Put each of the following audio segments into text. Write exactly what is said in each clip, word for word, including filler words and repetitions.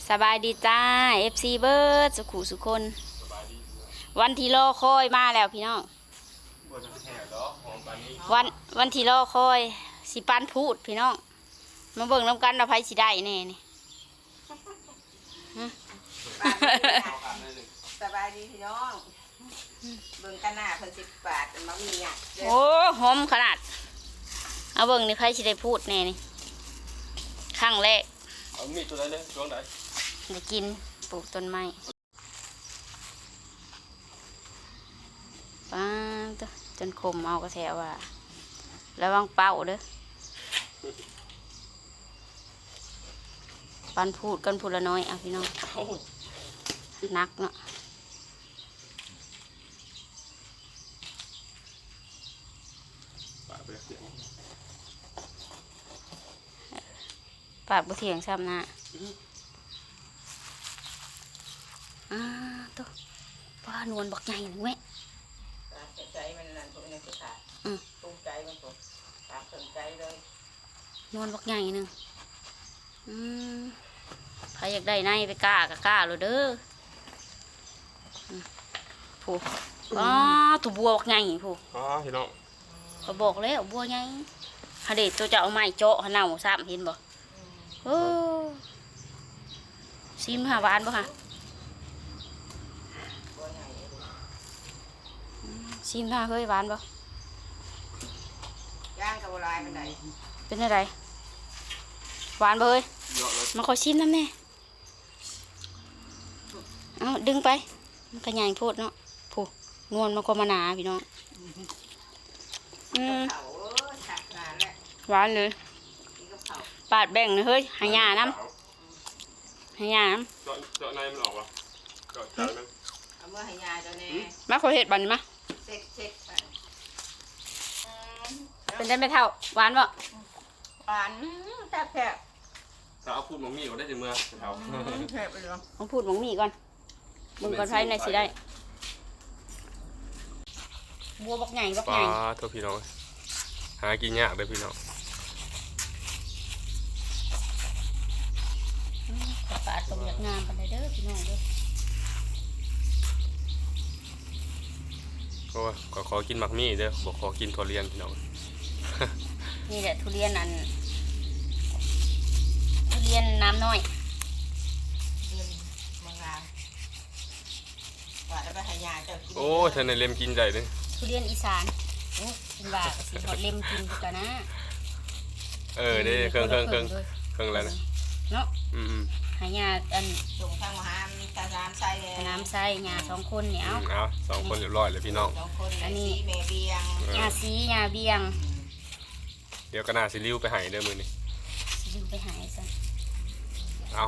สบายดีจ้า เอฟ ซี เบิร์ดสุขุสุคนวันที่รอคอยมาแล้วพี่น้องวันวันที่รอคอยสิปันพูดพี่น้องมาเบิ่งน้ำกันเราไพ่สิได้แน่นี่สบายดีพี่น้องเบิ่งกันหน้าเพิ่นสิบบาทมันมีอ่ะโอ้หอมขนาดเอาเบิ่งนี่ไพ่สิได้พูดแน่นี่ครั้งแรกเอามีดตัวไหนเลยช่วงไหนจะกินปลูกต้นไม้ป้าตัวจนคมเอากระแทกว่าระวังเป่าเด้อปันพูดกันพูดละน้อยอ่ะพี่น้องนักเนาะปากบุเถียงซ้ำนะอ่าตัวป้านวลบอกใหญ่หนึ่งแม่ใจมันนั่นพวกนี้สุดท้ายตุ้งใจมันผมตามสนใจเลยนวลบอกใหญ่หนึ่งอืมใครอยากได้ในไปกล้ากะกล้าเลยเด้อผู้อ๋อตัวบัวบอกใหญ่ผู้อ๋อพี่น้องเขาบอกแล้วบัวใหญ่ฮะเด็ดตัวจะเอาไม้เจาะหน้าหมูซ้ำเห็นบ่โอ้ซิมหาหวานบ่ค่ะซิมหาเฮ้ยหวานบ่ย่างกับลายมันไหนเป็นอะไรหวานบ่เฮ้ยมาขอชิมน้ำแน่เอาดึงไปมันกระยายโพดเนาะผู้นวลมันก็มาหนาพี่น้องอืมหวานเลยปาดแบ่งเลยเฮ้ยหายาน้ำหายาน้ำเจาะเจาะในมันออกวะเจาะใจมันเอาเมื่อหายาเจ้าแน่มาขอเห็ดบันมาเซ็กเซ็กเป็นได้ไม่เท่าหวานบ่หวานแซ่บแซ่บถ้าเอาพูดมังมีก็ได้ถึงเมื่อเท่าแซ่บไปเลยต้องพูดมังมีก่อนมึงก่อนไพ่ในสิได้บัวบักใหญ่บักใหญ่ปลาตัวพี่น้องหากินยากเลยพี่น้องปลาตรงงามปานใดเด้อพี่น้องเด้อก็ขอขอกินมักมีเด้อบอกขอกินทุเรียนพี่น้องนี่แหละทุเรียนอันทุเรียนน้ำน้อยเรียนมังงามว่าแล้วไปหายาเจ้ากินโอ้ฉันในเล็มกินใจเลยทุเรียนอีสานโอ้กินว่าสิทอดเล็มกินกันนะเออได้เครื่องเครื่องเครื่องเครื่องอะไรนะเนาะอืมหายาอันส่งทางมหามีตาน้ำใส่น้ำใส่ยาสองคนเนี่ยเอาเอาสองคนเรียบร้อยเลยพี่น้องอันนี้เมเบียงยาซียาเบียงเดี๋ยวก็น่าสิริ้วไปหายเด้อมือนี่สิริ้วไปหายซะเอา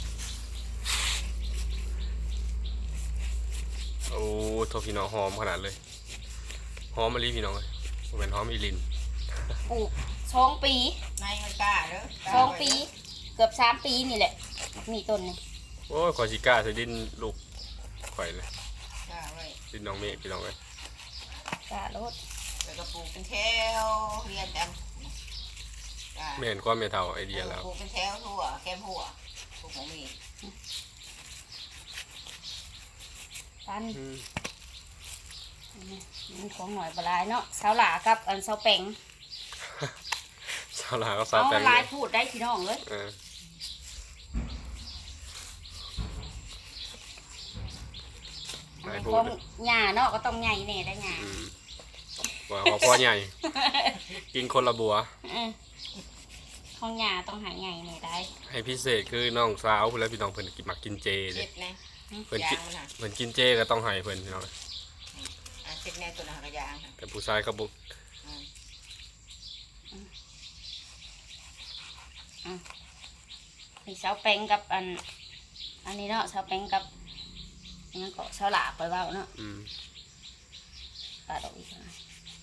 โอ้โทพี่น้องหอมขนาดเลยหอมมะลิพี่น้องเลยเป็นหอมอีลินปลูกสองปีในมันกล้าเด้อสองปีเกือบสามปีนี่แหละมีต้นนี่โอ้ยขอชิก้าใส่ดินลูกข่อยเลยกล้าไว้ดินน้องเมฆพี่น้องเลยกล้ารถแล้วก็ปลูกเป็นแถวเรียนกันไม่เห็นความเมตาไอเดียแล้วปลูกเป็นแถวทั่วแคมหัวปลูกของมีปันมันของหน่อยปลายเนาะสาวหลากับอันสาวแป้งสาวหลากับสาวแป้งลายพูดได้พี่น้องเลยของหญ้าเนาะก็ต้องใหญ่แน่ได้หญ้าว่าพอใหญ่กินคนละบัวของหญ้าต้องหายใหญ่แน่ได้ให้พิเศษคือน้องสาวแล้วพี่น้องเพิ่นกินมักกินเจเลยเพิ่นกินเพิ่นกินเจก็ต้องให้เพิ่นพี่น้องเจ็ดแน่ตัวหางกระยางแต่ผู้ชายเขาบุกมีเสาแป้งกับอันอันนี้เนาะเสาแป้งกับงั้นก็เสาหลาไปว่าเนาะปลาดอกอีกนะ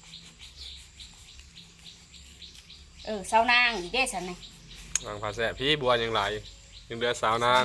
เออเสานางอีกเด้สันไงนางผาแสบพี่บัวยังไหลยังเดือสาวนาง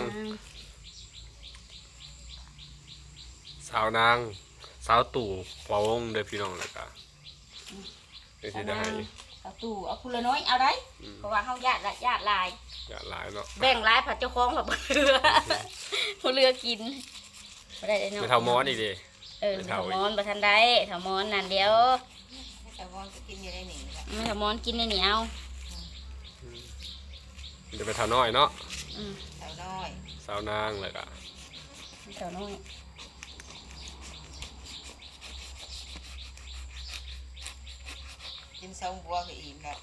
สาวนางสาวตู่ปวงเด้อพี่น้องเลยค่ะนี่สิได้ให้เอาตู้เอาคุณละน้อยเอาได้เพราะว่าเฮาญาติละญาติหลายอย่าหลายเนาะแบ่งหลายผัดเจ้าของแบบบ่เรือบ่เรือกินบ่ได้เนาะไม่เท่ามอนอีกดิเออเท่ามอนบ่ทันได้เท่ามอนนั่นเดียวแต่ว่าจะกินอยู่ในนี่แหละเท่ามอนกินในเหนียวมันจะไปเท่าน้อยเนาะอืมเต่าน้อยสาวนางเลยอะเท่าน้อยกินซองบัวก็อิ่มแล้ว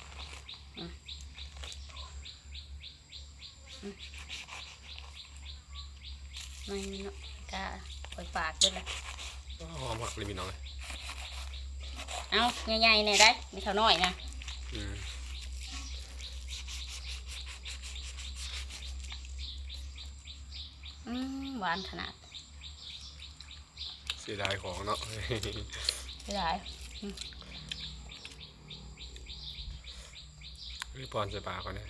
ไม่เนาะกะปล่อยปากเบิดละหอมหักเลยพี่น้องเลยเอาใหญ่ๆเนี่ยได้ไม่เท่าน้อยนะอืมอืมหวานขนาดเสียดายของเนาะไม่ได้รีบปอนใส่ปากก่อนนะ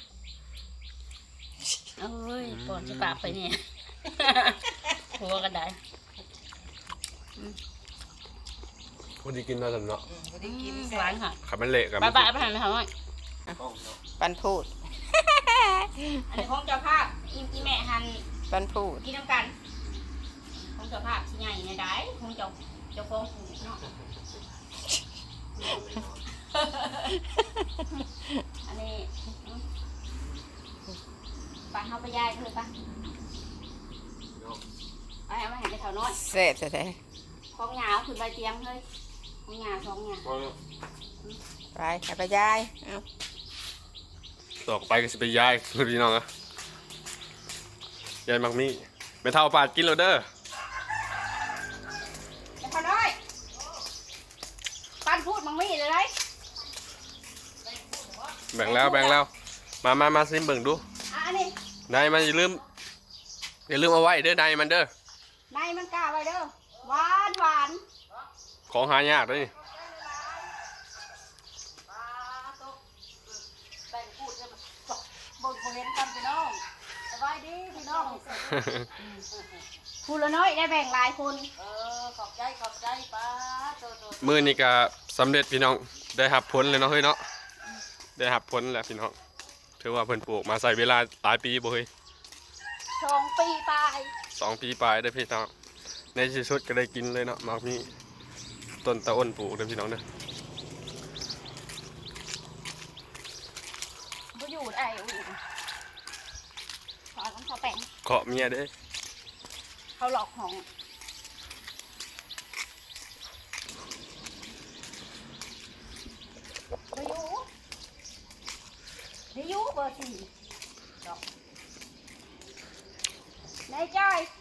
เอ้ยปอนจะปากไปเนี่ยหัวกันได้พอดีกินมาสำเนาะอืมก็ได้กินหแซ่วานบค่ะขับมันเละกับบ้าบ้าไปหันไปทำไมปันพูดอันนี้ของเจ้าภาพอีอีแม่หันปันพูดกินน้ำกันของเจ้าภาพที่ใหญ่เนี่ยได้ของเจ้าเจ้าของผูเนาะอันนี้ปลาเข้าไปย่ายเลยปะไปเอามาเห็นไปแถวน้อยแซ่บแท้ของหยาวขึ้นใบเตียงเฮ้ยของหยาวสองหยาวๆไปให้ไปยายเอาต่อไปก็จะไปย้ายพี่น้องอะย้ายมักมี่ไม่เท่าปาดกินแล้วเด้อไปแถวน้อยปันพูดมังมี่เลยไรแบ่งแล้วแบ่งแล้ว มามามาซิมเบิ่งดูอ่ะอันนี้นายมันอย่าลืมอย่าลืมเอาไว้เด้อนายมันเด้อในมันกล้าไว้เด้อหวานหวานของหายากเด้วยแบ่งพูดเลยบ่บ่เห็นกันพี่น้องสบายดีพี่น้องพูดละน้อยได้แบ่งหลายคนเออขอบใจขอบใจป้าโตโตมือนี่ก็สำเร็จพี่น้องได้หับผลเลยเนาะเฮ้ยเนาะได้หับผลแล้วพี่น้องถือว่าเพิ่นปลูกมาใส่เวลาหลายปีบ่เฮ้ยสองปีตายสองปีปลายได้อพี่น้องในที่สุดก็ได้กินเลยเนาะมักมี่ต้นตะอ้นปลูกเด้อพี่น้องเด้อบ่อยู่ได้อุ้ยขอต้องขอแป้งเคาะเมียเด้อเขาหลอกของบ่อยู่บ่อยู่เบอร์สี่ดอกนายจ้อย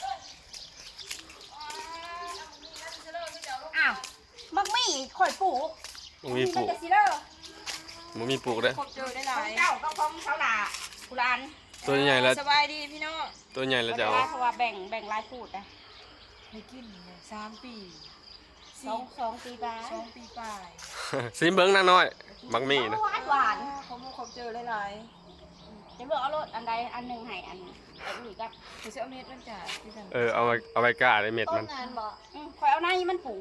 อ้าวมักมี่ข่อยปลูกมันมีปลูกมันจะสิเด้อมันมีปลูกเด้อพบเจอได้หขลาองยเจ้าก็ของเขาหล่ะกุหลานตัวใหญ่แล้วสบายดีพี่น้องตัวใหญ่แล้วจะเอาเพราะว่าแบ่งแบ่งรายพูดนะให้กินเนี่ยสามปีสองสองปีบาสองปีปลายซิมเบิ้งนางน้อยมักมี่นะหวานหวานเขามาพบเจอได้หลายจะเลือกเอารถอันใดอันหนึ่งให้อันอันอื่นกับคือจะเอาเม็ดมันจ่าที่กันเออเอาไว้เอาไว้กล้าได้เม็ดต้มัน นงานบ่อืมคอยเอาในมันปลูก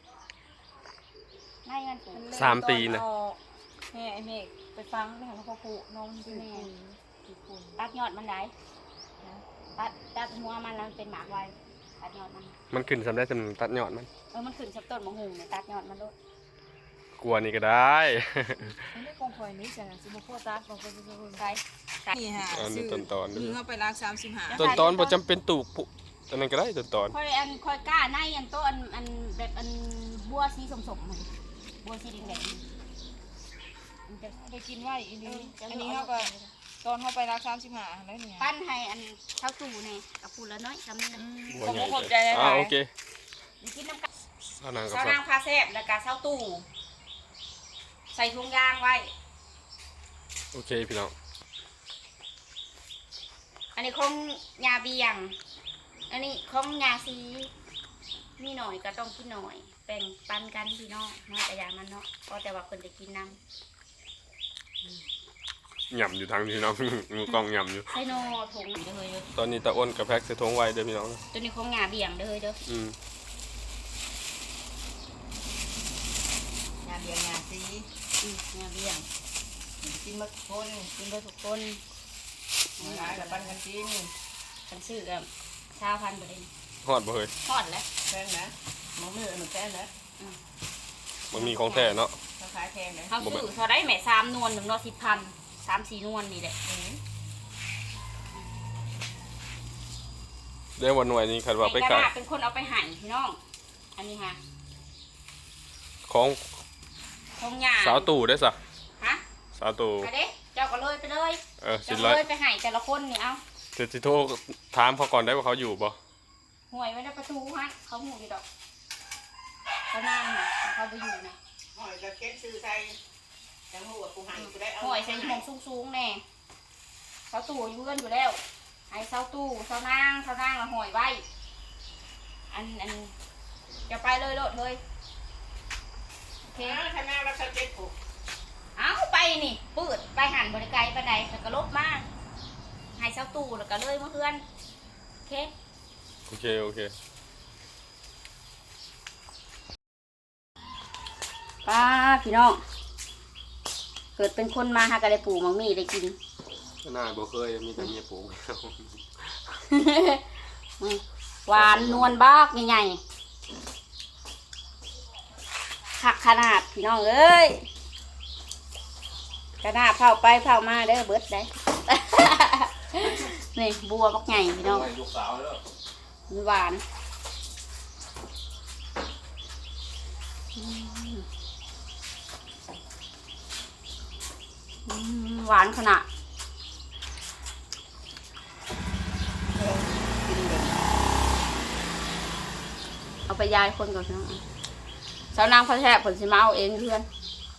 ในมันปลูกสามปีนะแม่ไอเมฆไปฟังเรื่องเขาผูน้องที่แม่ที่คุณตัดยอดมันได้ตัดตัดหัวมันแล้วมันเป็นหมากไว้ตัดยอดมันมันขึ้นสำได้สำตัดยอดมันเออมันขึ้นสับต้นมะฮุงเนี่ยตัดยอดมันโลดกลัวนี่ก็ได้ไม่ได้กองคอยนี้จ้ะสิบโคตรกองคอยจะรู้ใช่นี่ฮะอันนี้ต้นตอนมือเข้าไปรักสามสิบห้าต้นตอนบ่จำเป็นตูกปุอันนั้นก็ได้ต้นตอนคอยอันคอยกล้าในอันโตอันอันแบบอันบัวสีสมๆมันบัวสีแดงๆมันจะไปกินไว้อันนี้อันนี้เขาก็ตอนเข้าไปรักสามสิบห้าแล้วเนี่ยปั้นให้อันเท่าตู่เนี่ยกับปูละน้อยคำนี้นะบัวผมใหญ่ขอบใจหอ่าลายโอเคมีกินน้ำกันสาวนางกับเช้าฝากนางพาแซ่บแล้วก็เช้าตู่ใส่ถุงยางไว้โอเคพี่น้องอันนี้ของยาเบียง อันนี้ของยาซีมีหน่อยก็ต้องกินหน่อยแบ่งปันกันพี่น้องน้อยแต่ยามันเนาะก็แต่ว่าคนจะกินน้หย่ำอยู่ทางพี่น้อง มือกล้องหย่ำอยู่ำใส่โนถุงเด้อเฮ้ยเด้อตอนนี้ตะอ้นกับแพ็กใส่ทงไว้เด้อพี่น้องตัวนี้ของยาเบียงเด้อเฮ้ยเด้ออืมงานเดียงานซีอืมงาเบี้ยงกินมาทุกคนกินไปทุกคนมาหลายกับปันกันกินกันซื้อกับชาวพันธุ์ไปเลยฮอดบ่เฮ้ยทอดแล้วแพงนะมองมือหนูแพงนะมันมีของแท้เนาะเขาขายแพงนะเขาซื้อเท่าได้แหม่สามนวลหนึ่งนวลสิบพันสามสี่นวลนี่แหละเดี๋ยววันหน่วยนี้คันว่าไปในกขาระยดาษเป็นคนเอาไปหั่นพี่น้อง อันนี้ค่ะของทงหยาสาวตู่ได้ซะฮะสาวตู่ไปเด้เจ้าก็เลยไปเลยเออสิเจ้าร้อยเลยไปหั่นแต่ละคนนี่เอาสิสิโทรถามเขาก่อนได้ว่าเขาอยู่บ่ห่วยไว้ในประตูฮะเขาหูอยู่ดอกเขานั่งน่ะเขาไปอยู่นะหอยกระเก็ดซื้อใส่จังหัวกูหันกูได้เอาห่วยใส่หมองสูงๆแน่เสาตู้อยู่เงินอยู่แล้วไอ้เสาตู้เสานางเสานางละห่วยไว้อันอันจะไปเลยโลดเลยโอเคเออถ้าแม่เรากระเก็ดผูกเอาไปนี่ปืดไปหันบริไกลไปไหนแล้วก็ลบมาให้เสาตู้แล้วก็เลยมาเพื่อนโอเคโอเคโอเคป้าพี่น้องเกิดเป็นคนมาหากระไดปลูกมังมีได้กินหน้าบ่เคยมีแต่เมียปลูกหวานนวลบากใหญ่ๆขักขนาดพี่น้องเอ้ยกระนาดเผาไปเผามาเด้อเบิดได้ นี่บัวบักใหญ่พี่น้องลูกสาวแล้วมันหวานอืมอืมหวานขนาด เอาไปยายคนก่อนนะสาวนางพระแทบผลสิมาเอาเองเพื่อน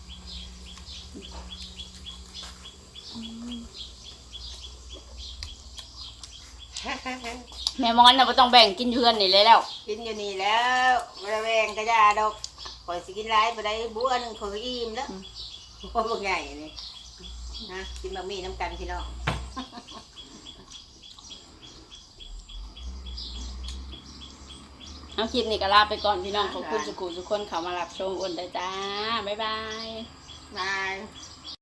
แม่มอนน่ะไม่ต้องแบ่งกินเพื่อนนี่เลยแล้วกินอยู่นี่แล้วมาแวงกระยาดอกคอยสิกินไรไปได้บัวหนึ่งคอยอิ่มแล้วบัวบางใหญ่นี่นะกินบะหมี่น้ำกันพี่น้องเอาคลิปนี้ก็ลาไปก่อนพี่น้องขอบคุณสุขุทุกคนเขามารับชมอ้นได้จ้า บ๊ายบายบาย